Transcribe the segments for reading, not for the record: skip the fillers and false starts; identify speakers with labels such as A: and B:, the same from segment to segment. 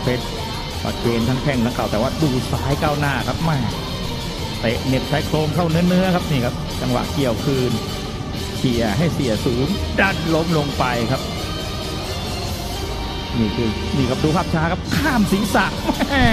A: เพชรปัดเกณฑ์ทั้งแข้งทั้งเข่าแต่ว่าดูซ้ายก้าวหน้าครับแม่เตะเน็บชายโครงเข้าเนื้อครับนี่ครับจังหวะเกี่ยวคืนเขี่ยให้เสียศูนย์ดันล้มลงไปครับนี่ครับดูภาพช้าครับข้ามศีรษะแม่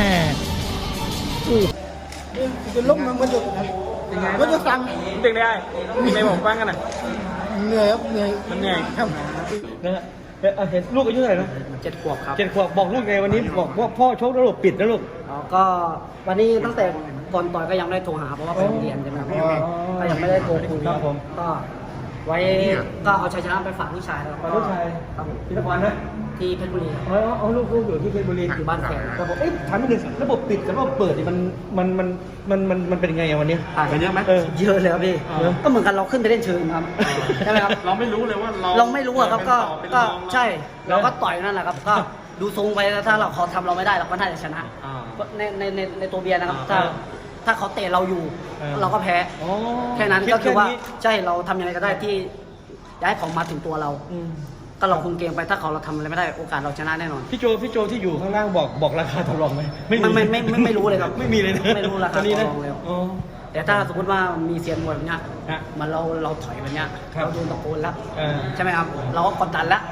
B: จะล้มมันจะสั่ง
C: เป็นได้ในผมฟังกันนะ
B: เหนื่อยครับเหนื่อย
C: มันเหนื่อย
B: ครับ
C: นะฮะเห็นลูกอายุเท่าไหร่นะ
D: 7 ขวบครับ
C: 7 ขวบบอกลูกไงวันนี้บอกว่าพ่อชกแล้วลูกปิดนะลูก
D: ก็วันนี้ตั้งแต่ก่อนต่อยก็ยังไม่ได้โทรหาเพราะว่าไปโรงเรียนใช่ไหมครับก็ยังไม่ได้โทรคุย
C: ครับผม
D: ก็ไว้ก็เอาชัยชนะไปฝากลูกชายแล้ว
C: ฝากลูกชาย
D: ครับผม
C: พิธภัณฑ์นะ
D: ที่เพชรบุรีครับ
C: เอาลูกอยู่ที่เพชรบุรี
D: อยู่บ้านแฟน
C: ครับผมถามนิดนึงระบบปิดกับระบบเปิดนี่มันเป็นไงวันนี้
D: ต่างกันเยอะไหม
C: เออ
D: เยอะเลยครับพี่ก็เหมือนกันเราขึ้นไปเล่นเชิงครับใช่ไหมครับ
E: เราไม่รู้เลยว่าเรา
D: เราไม่รู้อะครับก็
E: เป็น
D: ก็
E: รอง
D: ใช่เราก็ต่อยนั่นแหละครับก็ดูทรงไปแล้วถ้าเขาทำเราไม่ได้เราก็น่าจะชนะ
E: อ่า
D: ในตัวเบียร์นะครับถ้าเขาเตะเราอยู่ เราก็แพ้
C: อ๋อ
D: แค่นั้นก็คือว่าใช่เราทำยังไงก็ได้ที่ย้ายของมาถึงตัวเรา ก็เราคุมเกมไปถ้าเราทำอะไรไม่ได้โอกาสเราชนะแน่นอน
C: พี่โจที่อยู่ข้างล่างบอกราคาต่อรองไหม
D: ไม่รู้เลยครับ
C: ไม่มีเลยนะ
D: ไม่รู้ราคา
C: ตอนนี้นะ
D: ต่อรองเลย
C: อ๋อ
D: แต่ถ้าสมมติว่ามีเซียนมวยแบบเนี้ย
C: ฮะ
D: มันเราถอยแบบเนี้ย
C: ครับ
D: เราโดนตะโกนแล้ว
C: า
D: ใช่ไหมครับเราก็กดดันแล้ว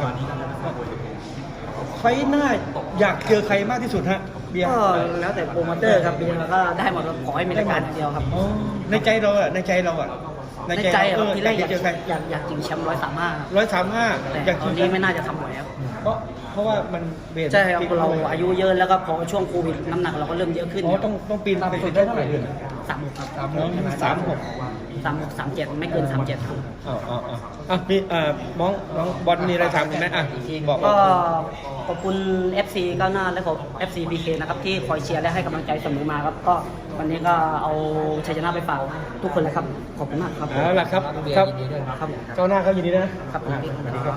C: ไฟหน้าอยากเจอใครมากที่สุดฮะเบียร์
D: ก็แล้วแต่โปรโมเตอร์ครับเบียร์ก็ได้หมดครับขอให้มีรายการอย่างเดียวครับ
C: อ๋อในใจเราอะในใจเราอะ
D: ในใจอะครับทีแรก
C: อยากเจอใคร
D: อยากชิงแชมป์135
C: 135
D: แต่ตอนนี้ไม่น่าจะทำไหวครับ
C: เพราะว่ามันเบส
D: ใช่ครับเราอายุเยอะแล้วก็พอช่วงโควิดน้ำหนักเราก็เริ่มเยอะขึ้น
C: อ๋อต้องปีนไปสุดได้เท่าไหร่เดือน
D: 36ครับ
C: 36
D: 37ไม่เกิน37ครับ
C: มีน้องบอลมีอะไรถามไหมบอก
D: ก็ขอบคุณ FC ก้าวหน้าและขอบ FC BK นะครับที่คอยเชียร์และให้กำลังใจเสมอมาครับก็วันนี้ก็เอาชัยชนะไปฝากทุกคนเลยครับขอบคุณมากครับ
C: เอาล่ะครับครับ
D: ครับ
C: เจ้าหน้าเขายินดีนะครับ สวัสดีครับผม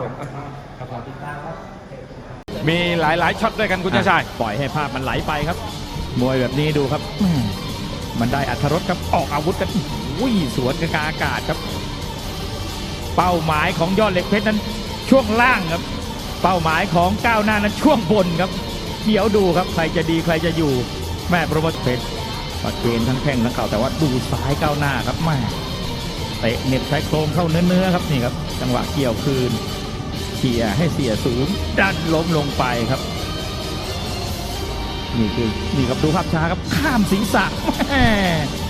A: มีหลายช็อตด้วยกันคุณชายปล่อยให้ภาพมันไหลไปครับมวยแบบนี้ดูครับมันได้อรรถรสครับออกอาวุธกันสวนกันกลางอากาศครับเป้าหมายของยอดเหล็กเพชรนั้นช่วงล่างครับเป้าหมายของก้าวหน้านั้นช่วงบนครับเดี๋ยวดูครับใครจะดีใครจะอยู่แม่โปรโมทเพชรปัดเกณฑ์ทั้งแข้งทั้งเข่าแต่ว่าดูซ้ายก้าวหน้าครับแม่เตะเน็บชายโครงเข้าเนื้อครับนี่ครับจังหวะเกี่ยวคืนเขี่ยให้เสียศูนย์ดันล้มลงไปครับนี่ครับดูภาพช้าครับข้ามศีรษะแม่